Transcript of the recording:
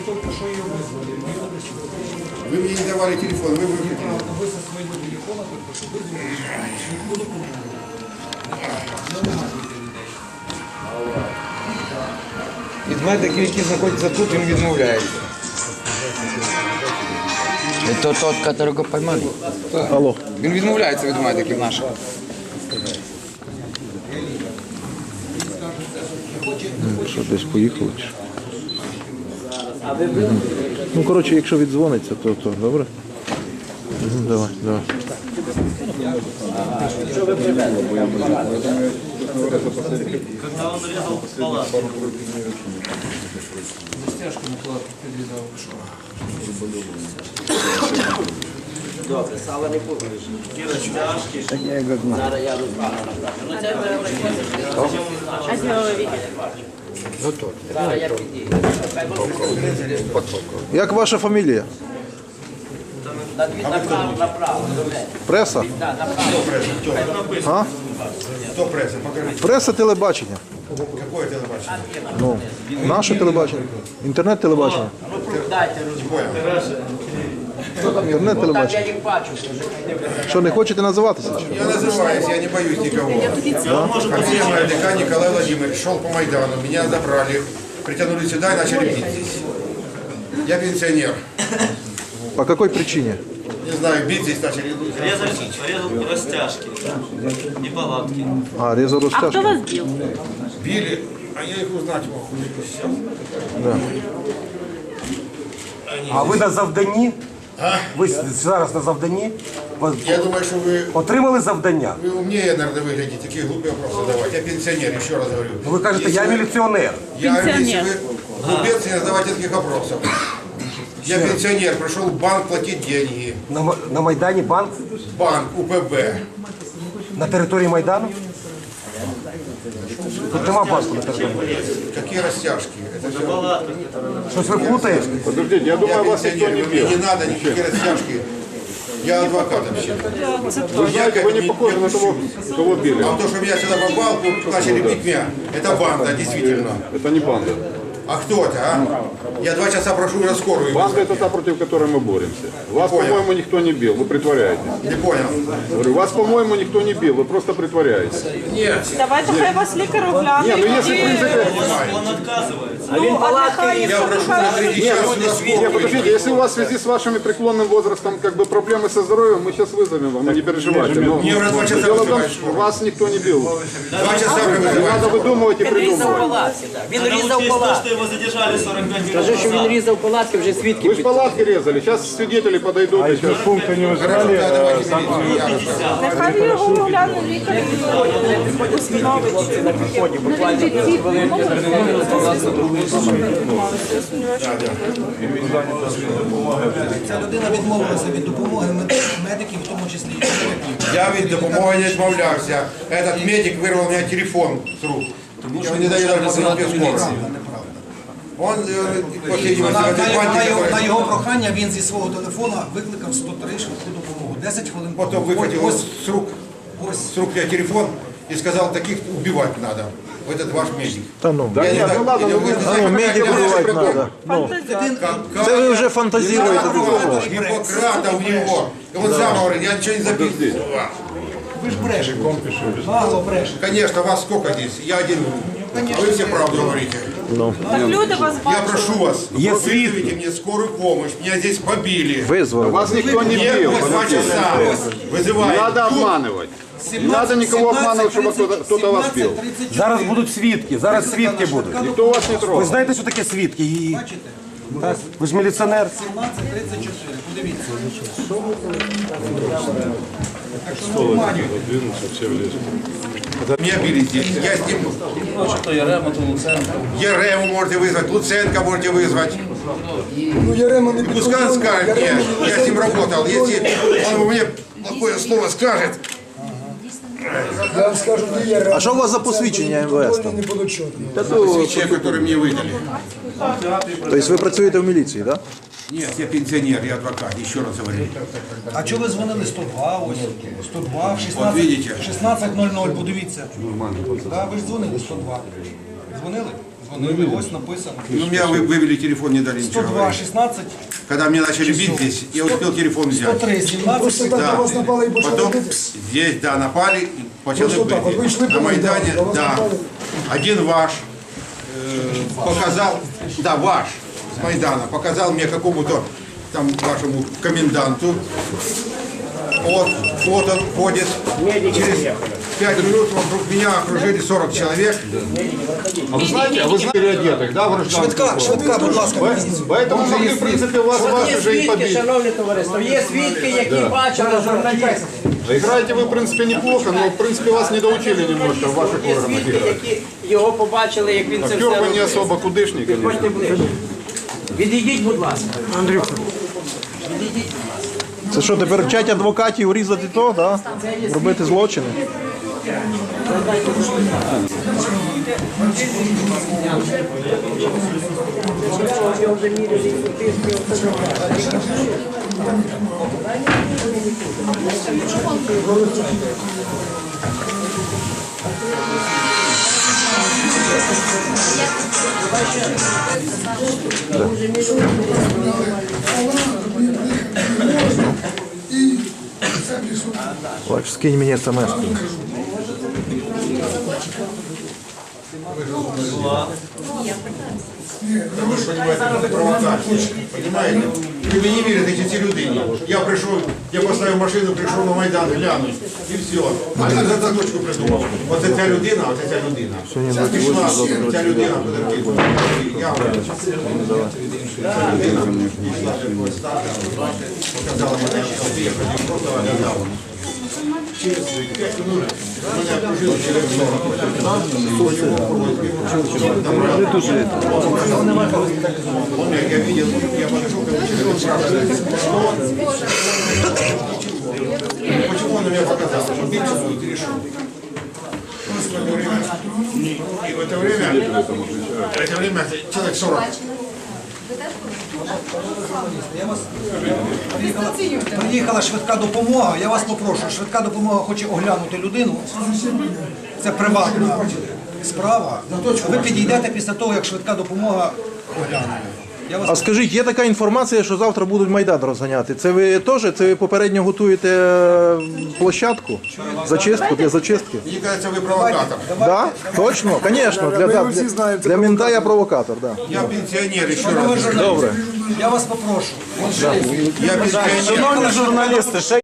только что ее вызвали. Вы мне не давали телефон, вы выключили. Вы со своего телефона только что вызвали. Никуда Медики, які знаходяться тут, він відмовляється. Это тот, которого поймали? Алло. Він відмовляється від медиків наших. Що, десь поїхали? Чи? Ну, коротше, якщо віддзвониться, то добре? Давай, давай. Когда он резал палатку. Застяжку на плату передал. Добре, сало не буде. Такі розтяжки. Зараз я розбавлю. Ну це А чего вы видели? зараз я підійду. Як ваша фамілія? Направо. Преса? Так, направо. А? Кто пресса? Покажите. Преса телебачення. Какое телебачение? Ну, наше телебачення. Інтернет-телебачення. Ну, дайте розбавлю. Інтернет-телебачення. Так я їх бачу. Що, не хочете називатися? Чи? Я называюсь, я не боюсь никого. Фамилия моя ДК Николай Владимирович. Шел по Майдану, меня забрали, притянули сюда и начали бить здесь. Я пенсионер. По какой причине? Не знаю, бить здесь начали. Резал розтяжки. І палатки. А, резал А кто растяжку. вас бил? Били, а я их узнать мог. Да. А ви на завданні? Ви зараз на завданні? Я думаю, что вы Отримали завдання? умнее, наверное, выглядите, такие глупые вопросы давать. Я пенсионер, еще раз говорю. Ну ви кажете, Если я вы- міліціонер. Если вы глупец, не задавайте таких вопросов. Я пенсионер, пришел в банк платить деньги. На Майдані банк? Банк, УПБ. На території Майдану? Тут нема банку на території. Какие растяжки? Это все. Щось ви плутаєте? Подождите, я думаю, вас никто не бил. Мне не надо никакие растяжки. Я адвокат вообще. Вы знаете, вы не похожи на того, кого били. А то, что меня сюда попал, начали бить меня, это банда, действительно. Это не банда. А кто это, а? Я 2 часа прошу на скорую. Банда это та, против которой мы боремся. Вас, по-моему, никто не бил, вы притворяетесь. Не понял. Говорю, вас, по-моему, никто не бил, вы просто притворяетесь. Нет. Давайте хай вас лікар огляне. Не, ну если в принципе... Он отказывается. А він палатки Я прошу на 3 часа на Не, скорую. подождите, если у вас в связи с вашим преклонным возрастом как бы проблемы со здоровьем, мы сейчас вызовем вам, не переживайте. Но Мне уже 2 часа дело в том, вызывают что скорую. вас никто не бил. 2 часа уже Не вызывают. надо выдумывать и Він різав придумывать. палатки. Він Надо різав учесть то, палатки. что его задержали 45 минут Скажи, що він назад. різав палатки, вже свідки Вы же палатки резали, сейчас свидетели подойдут. и сейчас... Пункта не Хорошо, да, давайте милицию. Нехай його огляне лікар. Ця людина відмовилася від допомоги медиків, в тому числі і лікарів. Я від допомоги не відмовлявся. Этот медик вирвав у мене телефон з рук. Я не даю даже позвонить без скорости. Он, по всей видимости, в этой банде, На його прохання він зі свого телефона викликав 103 швидку допомогу. 10 хвилин. потом выхватил Ось, с рук я телефон и сказал, таких убивать надо. Этот ваш медик. Та ну. Да Я не нет, знаю, ну ладно, ну вы я не знаю, Медик как убивать это надо. Ну, Как- це ви вже фантазіруєте. Гиппократа у него. И он сам говорит, я ничего не записывал. Ви ж брешете. Нагло брешете. Конечно, вас сколько здесь? Я один. А вы все правду говорите. Так люди вас Я бачать. прошу вас, вызовите мне скорую помощь. Меня здесь побили. Визвали. Вас никто не Мне бил. 2 часа. Не Вызывает. надо обманывать. Не надо никого обманывать, чтобы кто-то вас бил. Зараз будуть свідки, зараз свідки будуть. Никто вас не Ви трогал. знаєте, що таке свідки? Так? Ви ж міліціонер. 17:34. Подивіться. Так що не обманюйте. Меня били здесь. Я с ним... То Ярема, то Луценко. Ерему можете вызвать, Луценко можете вызвать. Пускай он скажет мне, я с ним работал. Если он мне плохое слово скажет, Я вам скажу, не є А що у вас за посвідчення МВС там? не було чутно. свечей, которые мне выдали. Тобто ви працюєте в міліції, так? Нет, я пенсионер, я адвокат, еще раз говорю. А чого ви дзвонили 102? Ось 102 в От видите. 16:00, подивіться. Да, ви ж дзвонили 102. Дзвонили? Дзвонили, ось написано. Ну, меня вывели телефон, не дали ничего 102, говорить. 16, Когда меня начали бить здесь, я успел телефон взять. 103, 17. Просто так на вас напали і почали Потом бити. здесь, да, напали, и почали Просто так, вот вы шли на по Майдану, Майдане, на вас да. напали. Один ваш показал, да, ваш с Майдана, показал мне какому-то там вашему коменданту. Вот он ходит. Через 5 минут вокруг меня окружили 40 человек. А вы знаете переодетых, да, в гражданскую Швидка, будь ласка. Поэтому могли, в принципе, вас Є уже и свідки, побить. шановне товариство, є свідки, які бачили журналістів. Играете вы, в принципе, неплохо, но, в принципе, вас не доучили немножко в ваших Є органах свідки, играть. які його побачили, як він це все Актер вы не робив. особо кудышник, конечно. Ходьте ближче. Відійдіть, будь ласка. Це що, тепер вчать адвокатів різати то, да? Робити злочини? Бач, скинь мені смс. Вы же понимаете, это провокация. Понимаете? Вы мне не верите, эти люди. Я пришел, я поставил машину, пришел на Майдан глянуть. І все. А я за точку придумав. Оце ця людина, оце ця людина. Пішла ця людина, подивіться. Я ця людина пішла такого стажу, показала мене, що я ходив, просто оглядав. Через 5 минут мене окружили через 40. Я видел, я подошел к этому человеку, спрашиваю, почему он на меня показал, что биться будет и решил. И в это время человек 40. Приїхала швидка допомога. Я вас попрошу, швидка допомога хоче оглянути людину. Це приватна справа. Ви підійдете після того, як швидка допомога огляне. Я вас А скажіть, є така інформація, що завтра будуть Майдан розганяти. Це ви теж? Це ви попередньо готуєте площадку? Зачистку для зачистки? Мне кажется, вы провокатор. Да? Точно? Звісно. Для мента я провокатор, да. Я пенсионер, еще раз. Добре. Я вас попрошу. Я пенсионер. Шановні журналісти, ще